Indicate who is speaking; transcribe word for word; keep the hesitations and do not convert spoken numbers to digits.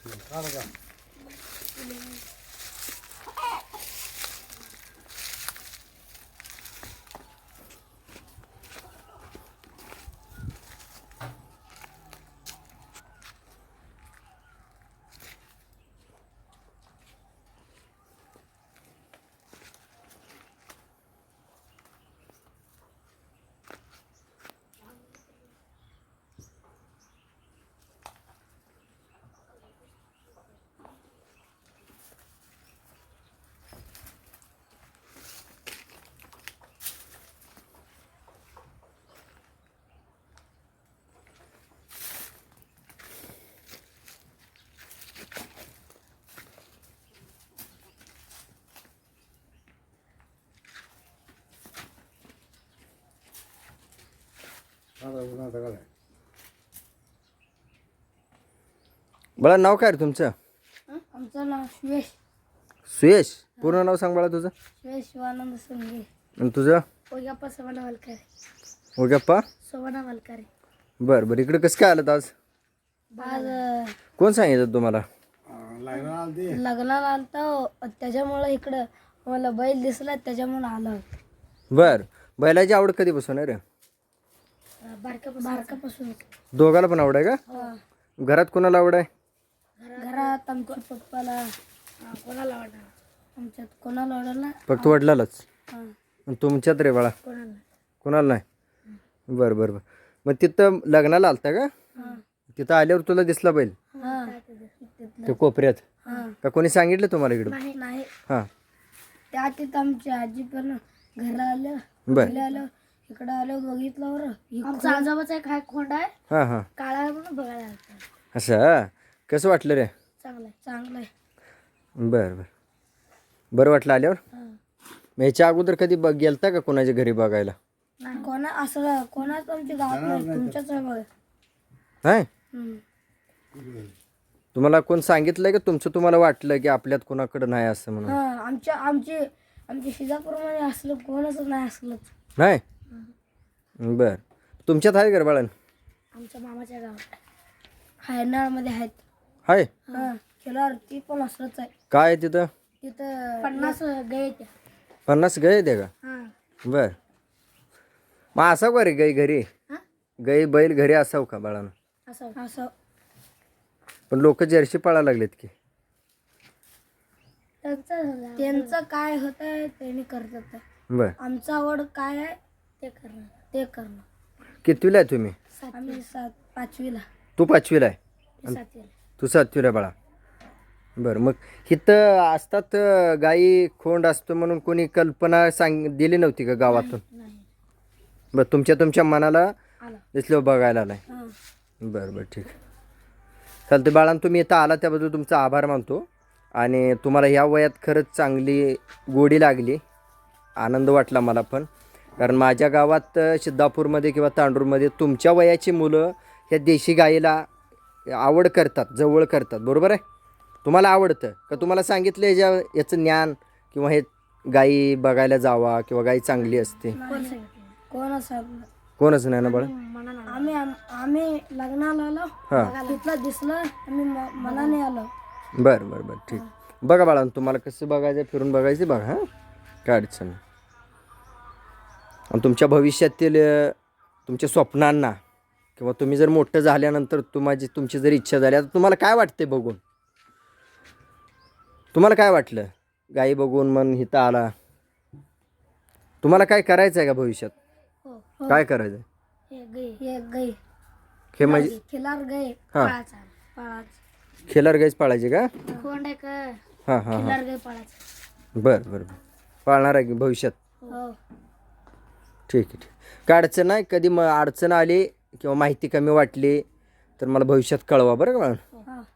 Speaker 1: बाळा नाव काय रे तुमचं?
Speaker 2: आमचं नाव सुयश.
Speaker 1: सुयश. पूर्ण नाव सांग बाळा तुझं.
Speaker 2: सुयश शिवानंद संगे.
Speaker 1: आणि तुझं?
Speaker 2: ओग्याप्पा सोमना वालकरे.
Speaker 1: ओग्याप्पा
Speaker 2: सोमना वालकरे.
Speaker 1: बरं बरं. इकडे कसं काय आलं आज?
Speaker 2: आज
Speaker 1: कोण सांगितलं तुम्हाला?
Speaker 2: लग्नाला आलता त्याच्यामुळं इकडं मला बैल दिसला त्याच्यामुळे आलो.
Speaker 1: बरं. बैलाची आवड कधीपासून आहे रे?
Speaker 2: बारकापासून.
Speaker 1: दोघाला पण आवड आहे का? घरात कोणाला आवड आहे?
Speaker 2: घरात आमच्या पप्पाला कोणाला आवडणार? आमच्यात कोणाला आवडला?
Speaker 1: फक्त वडिलालाच.
Speaker 2: हां.
Speaker 1: तुमच्यात रे बाळा?
Speaker 2: कोणाला?
Speaker 1: कोणाला नाही. बरं बरं बरं. मग तिथं लग्नाला आलता का? तिथं आल्यावर तुला दिसला बैल ते कोपऱ्यात? का कोणी सांगितलं तुम्हाला इकडं?
Speaker 2: नाही.
Speaker 1: हां.
Speaker 2: त्या तिथं आमची आजी पण घरा आलं.
Speaker 1: बरं.
Speaker 2: आलं इकडं आलो बघितलं. आमचा आजोबाचा एक हाय खोंड आहे.
Speaker 1: हां हां.
Speaker 2: काळा म्हणून बघायला आलता.
Speaker 1: असं कसं वाटलं रे?
Speaker 2: चांगलं आहे. चांगलं आहे.
Speaker 1: बरं बरं. बरं वाटलं आल्यावर?
Speaker 2: हां.
Speaker 1: मग ह्याच्या अगोदर कधी बघ गेलता का कोणाच्या घरी बघायला?
Speaker 2: नाही. कोणा असं कोणाच आमच्या गावात नाही. तुमच्याच आहे बघा.
Speaker 1: नाही.
Speaker 2: हम्म.
Speaker 1: तुम्हाला कोण सांगितलंय का तुमचं तुम्हाला वाटलं की आपल्यात कोणाकडं नाही असं म्हणून?
Speaker 2: हां. आमच्या आमची आमच्या शिजापूरमध्ये असलं कोणच नाही असलं.
Speaker 1: नाही. बर. तुमच्यात आहे घर बाळन?
Speaker 2: आमच्या मामाच्या गावात हायनाळमध्ये आहेत.
Speaker 1: हाय.
Speaker 2: हां. केल्यावर ती पण असलंच आहे.
Speaker 1: काय आहे तिथं?
Speaker 2: तिथं पन्नास गाय त्या.
Speaker 1: पन्नास गाय आहे का?
Speaker 2: हां.
Speaker 1: बर. मग असावं का रे गाई घरी?
Speaker 2: हां.
Speaker 1: गाई बैल घरी असावं का बाळानं?
Speaker 2: असं असं
Speaker 1: पण लोक जर्सी पाळायला लागलेत की.
Speaker 2: त्यांचं त्यांचं काय होतं त्यांनी करतात.
Speaker 1: बर.
Speaker 2: आमचं आवड काय आहे ते करणं. ते करणं.
Speaker 1: कितवीला आहे तुम्ही?
Speaker 2: आम्ही सात पाचवीला.
Speaker 1: तू पाचवीला आहे?
Speaker 2: सातवीला.
Speaker 1: तू सातवीला बाळा. बरं. मग इथं असतात गाई खोंड असतो म्हणून कोणी कल्पना सांग दिली नव्हती का गावातून?
Speaker 2: नाही.
Speaker 1: बरं. तुमच्या तुमच्या मनाला
Speaker 2: आला.
Speaker 1: दिसलं बघायला आलाय.
Speaker 2: हां.
Speaker 1: बरं बरं ठीक आहे. चालते बाळांनो, तुम्ही इथं आला त्याबद्दल तुमचा आभार मानतो. आणि तुम्हाला ह्या वयात खरंच चांगली गोडी लागली. आनंद वाटला मला पण. कारण माझ्या गावात सिद्धापूरमध्ये किंवा तांडूरमध्ये तुमच्या वयाची मुलं ह्या देशी गाईला आवड करतात, जवळ करतात. बरोबर आहे? तुम्हाला आवडतं का? तुम्हाला सांगितलं ह्याच्या याचं ज्ञान किंवा हे गाई बघायला जावा किंवा गाई चांगली असते?
Speaker 2: कोणच
Speaker 1: कोणच नाही ना बाळा?
Speaker 2: आम्ही आम्ही लग्नाला आलो.
Speaker 1: हां.
Speaker 2: तिथलं दिसलं आम्ही मनाने आलो.
Speaker 1: बरं बरं बरं ठीक. बघा बाळा, तुम्हाला कसं बघायचं फिरून बघायचं बघा. हां. काय अडचण नाही. आणि तुमच्या भविष्यातील तुमच्या स्वप्नांना किंवा तुम्ही जर मोठं झाल्यानंतर तुम्हाची तुमची जर इच्छा झाली, आता तुम्हाला काय वाटते बघून? तुम्हाला काय वाटलं गाई बघून मन हिता आला? तुम्हाला काय करायचं आहे का भविष्यात? काय करायचं आहे?
Speaker 2: हे गाय
Speaker 1: हे म्हणजे
Speaker 2: खिलार गाय
Speaker 1: हां.
Speaker 2: पाळायचा. पाळायचा.
Speaker 1: खिलार गायच पाळायची का?
Speaker 2: खोंड आहे का?
Speaker 1: हां हां हां.
Speaker 2: खिलार गाय पाळायचा.
Speaker 1: बरं बरं बरं. पाळणार आहे की भविष्यात?
Speaker 2: हो.
Speaker 1: ठीक आहे ठीक. काय अडचण नाही. कधी मग अडचण आली किंवा माहिती कमी वाटली तर मला भविष्यात कळवा बरं का.
Speaker 2: हां.